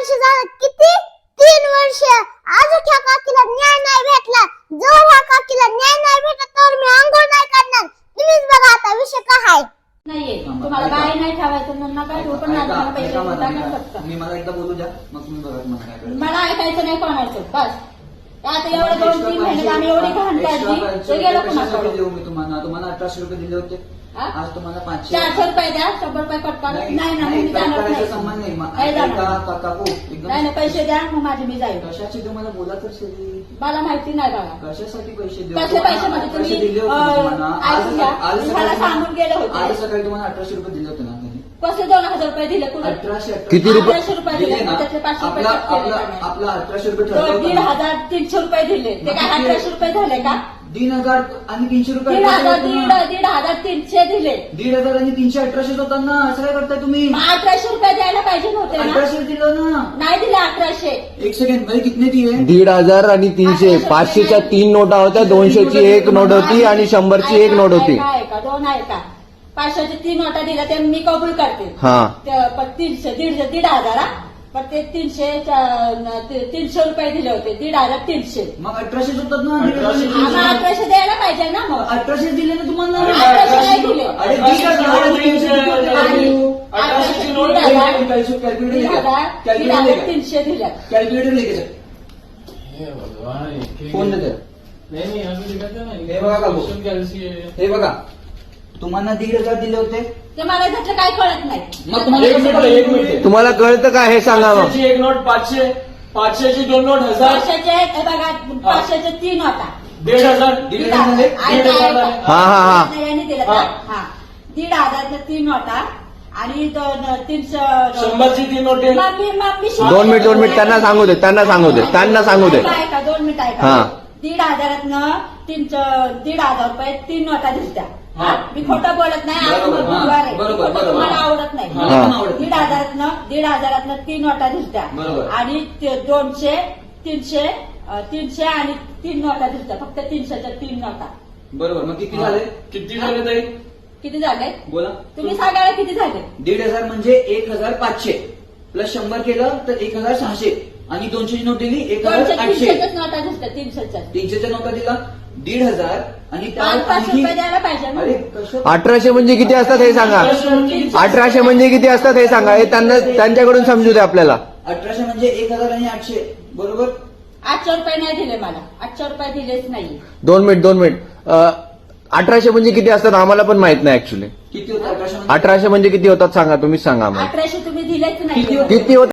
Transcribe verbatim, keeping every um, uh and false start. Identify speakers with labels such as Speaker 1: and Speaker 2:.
Speaker 1: वर्ष झालं. किती? तीन वर्ष. अजून ह्या काकीला न्याय नाही भेटला. जर ह्या काकीला न्याय नाही भेटला तर मी अंघोळ नाही करणार. तुम्हीच बघा आता विषय काय आहे.
Speaker 2: नाहीये तुम्हाला बाई नाही ठेवायचं म्हणून काय हो, पण नाही मला पैसे टाका फक्त.
Speaker 3: मी मला एकदा बोलू द्या मग तुम्ही बघा मला काय करायचं.
Speaker 2: मला ऐकायचं नाही कोणाचं बस. आता एवढं दोन तीन महिन्यात आम्ही एवढी घाण काढली ते गेलं
Speaker 3: कशासाठी देऊ
Speaker 2: कुणाकडे.
Speaker 3: मी तुम्हाला तुम्हाला अठराशे रुपये दिले होते.
Speaker 2: हा?
Speaker 3: आज तुम्हाला पाचशे
Speaker 2: चारशे रुपये द्या, शंभर रुपये कट करा. नाही ना मी जाणार
Speaker 3: करायचा
Speaker 2: नाही.
Speaker 3: संबंध नाही मग
Speaker 2: नाही जाणार.
Speaker 3: का- का- काकू एकदम
Speaker 2: नाही ना पैसे द्या मग माझी मी जाईल.
Speaker 3: कशाची तुम्हाला बोला तर शरी
Speaker 2: मला माहिती नाही बघा
Speaker 3: कशासाठी पैसे देऊ
Speaker 2: कसले पैसे म्हणजे
Speaker 3: पैसे
Speaker 2: तुम्ही
Speaker 3: दिले होते
Speaker 2: अं,
Speaker 3: तुम्हाला. आज
Speaker 2: ऐकून घ्या.
Speaker 3: आज
Speaker 2: मी
Speaker 3: सकाळी
Speaker 2: मला
Speaker 3: तुम्हाला-
Speaker 2: सांगून गेले
Speaker 3: आज
Speaker 2: होते.
Speaker 3: सकाळी तुम्हाला अठराशे रुपये दिले होते ना त्यांनी.
Speaker 2: कसले दोन हजार रुपये दिले कुठे?
Speaker 3: अठराशे
Speaker 4: किती रुपये?
Speaker 2: अठराशे रुपये
Speaker 3: दिले
Speaker 2: दिले
Speaker 3: ना
Speaker 2: त्यातले पाचशे रुपये
Speaker 3: आपला
Speaker 2: कट केले
Speaker 3: आपला
Speaker 2: त्याने.
Speaker 3: आपला अठराशे रुपये
Speaker 2: तो
Speaker 3: ठरवलं
Speaker 2: दीड
Speaker 3: होतं ना.
Speaker 2: हजार तीनशे रुपये दिले ते काय
Speaker 3: मग
Speaker 2: अठराशे रुपये झाले का?
Speaker 3: दीड हजार आणि तीनशे रुपये
Speaker 2: दीड
Speaker 3: अठराशे
Speaker 2: हजार
Speaker 3: होते
Speaker 2: दीड
Speaker 3: ना.
Speaker 2: दीड हजार तीनशे दिले.
Speaker 3: दीड हजार आणि तीनशे अठराशे होतात ना. असं काय करताय तुम्ही?
Speaker 2: मग अठराशे रुपये द्यायला पाहिजे नव्हते ना.
Speaker 3: अठराशे दिलं ना.
Speaker 2: नाही दिले अठराशे.
Speaker 3: एक सेकंड भाई कितने दिए?
Speaker 4: दीड हजार आणि तीनशे पाचशेच्या तीन नोटा होत्या, दोनशेची एक नोट होती आणि शंभरची एक नोट होती.
Speaker 2: ऐका, ऐका, दोन आहे का? पाचशेचे तीन नोटा दिल्या ते मी कबूल करते.
Speaker 4: हा
Speaker 2: ते पण तीनशे दीड दीड हजार हा. पण ते तीनशे च्या- ते तीनशे रुपये दिले होते. दीड हजार तीनशे.
Speaker 3: मग अठराशेच होतात ना. दीड हजार,
Speaker 2: आम्हाला अठराशे द्यायला पाहिजे ना मग.
Speaker 3: अठराशे दिले ना तुम्हाला.
Speaker 2: अठराशे नाही दिले.
Speaker 3: अरे दीड हजार आणि तीनशे किती होते?
Speaker 2: आणि
Speaker 5: अठराशेची
Speaker 2: दीड
Speaker 5: नोट
Speaker 2: हजार
Speaker 3: कॅल्क्युलेटर
Speaker 2: दीड
Speaker 3: लेके
Speaker 2: हजार दीड
Speaker 3: कॅल्क्युलेटर
Speaker 2: हजार
Speaker 3: लेके
Speaker 2: तीनशे दिल्या.
Speaker 3: कॅल्क्युलेटर लेके जा.
Speaker 5: हे भगवान, इतके-
Speaker 3: फोन दे.
Speaker 5: नाही नाही अजून लिखायचं नाही.
Speaker 3: हे बघा काकू.
Speaker 5: क्वेश्चन कॅल्सी आहे.
Speaker 3: हे बघा तुम्हाला दीड हजार दिले होते.
Speaker 2: ते मला त्यातलं काय कळत नाही.
Speaker 3: मग तुम्हाला
Speaker 5: एक
Speaker 3: कसं
Speaker 5: मिनिट
Speaker 3: कळलं?
Speaker 5: एक मिनिट
Speaker 4: तुम्हाला कळतं का हे सांगा मग.
Speaker 5: पाचशेची एक नोट पाचशे पाचशेची दोन नोट हजार
Speaker 2: पाचशेचे हे बघा पाचशेचे तीन होता.
Speaker 5: दीड हजार
Speaker 3: दीड
Speaker 2: दीड
Speaker 3: हजार झाले?
Speaker 2: हजार.
Speaker 5: दीड हजार झाले.
Speaker 4: हा हा हा
Speaker 2: नाही, यांनी दिलं का?
Speaker 5: हा.
Speaker 2: हा दीड हजारचे तीन नोटा आणि दोन तीनशे
Speaker 5: शंभरची तीन नोट आहे.
Speaker 2: मग मी- मग मी
Speaker 4: दोन मिनिट दोन मिनिट त्यांना सांगू दे त्यांना सांगू दे त्यांना सांगू दे.
Speaker 2: ऐका, ऐका, दोन मिनिट ऐका.
Speaker 4: हा.
Speaker 2: दीड हजारातनं तीन दीड हजार रुपये तीन नोटा दिसत्या.
Speaker 5: हा.
Speaker 2: मी खोटं बोलत नाही. आज
Speaker 3: बरोबर, हा.
Speaker 2: बुधवार आहे.
Speaker 3: बरोबर,
Speaker 2: खोटं
Speaker 3: बरोबर.
Speaker 2: तुम्हाला आवडत नाही.
Speaker 3: मला पण आवडत
Speaker 2: दीड
Speaker 3: नाही.
Speaker 2: हजारातनं दीड हजारातनं तीन नोटा दिसत्या.
Speaker 3: बरोबर.
Speaker 2: आणि ते दोनशे तीनशे अं, तीनशे आणि तीन नोटा दिसत्या. फक्त तीनशेच्या तीन नोटा.
Speaker 3: बरोबर मग किती झाले?
Speaker 5: किती झाले ताई?
Speaker 2: किती झाले?
Speaker 3: बोला.
Speaker 2: तुम्ही सांगायला किती झाले?
Speaker 3: दीड हजार म्हणजे एक हजार पाचशे प्लस शंभर केलं तर एक हजार सहाशे आणि दोनशेची नोट दिली एक
Speaker 2: दोनशे
Speaker 3: हजार आठशे.
Speaker 2: तीनशेच्याच नोटा दिसत्या. तीनशेच्या
Speaker 3: तीनशेच्या नोटा दिला दीड हजार आणि
Speaker 2: पाच
Speaker 3: त्यावर
Speaker 2: पाचशे
Speaker 3: आणखी-
Speaker 2: रुपये द्यायला पाहिजे ना.
Speaker 3: अरे कसं
Speaker 4: अठराशे म्हणजे किती असतात हे सांगा. अठराशे म्हणजे किती असतात हे सांगा. हे त्यांना त्यांच्याकडून समजू दे आपल्याला.
Speaker 3: अठराशे म्हणजे एक हजार आणि आठशे बरोबर.
Speaker 2: आठशे रुपये नाही दिले मला. आठशे रुपये दिलेच नाही.
Speaker 4: दोन मिनिट दोन मिनिट अं, अठराशे म्हणजे किती असतात आम्हाला पण माहित नाही ऍक्च्युली.
Speaker 3: किती होतं अठराशे म्हणजे?
Speaker 4: अठराशे म्हणजे किती होतात सांगा तुम्हीच सांगा आम्हाला.
Speaker 2: अठराशे तुम्ही दिलेच
Speaker 3: किती
Speaker 2: नाही.
Speaker 3: होते?
Speaker 4: किती होतात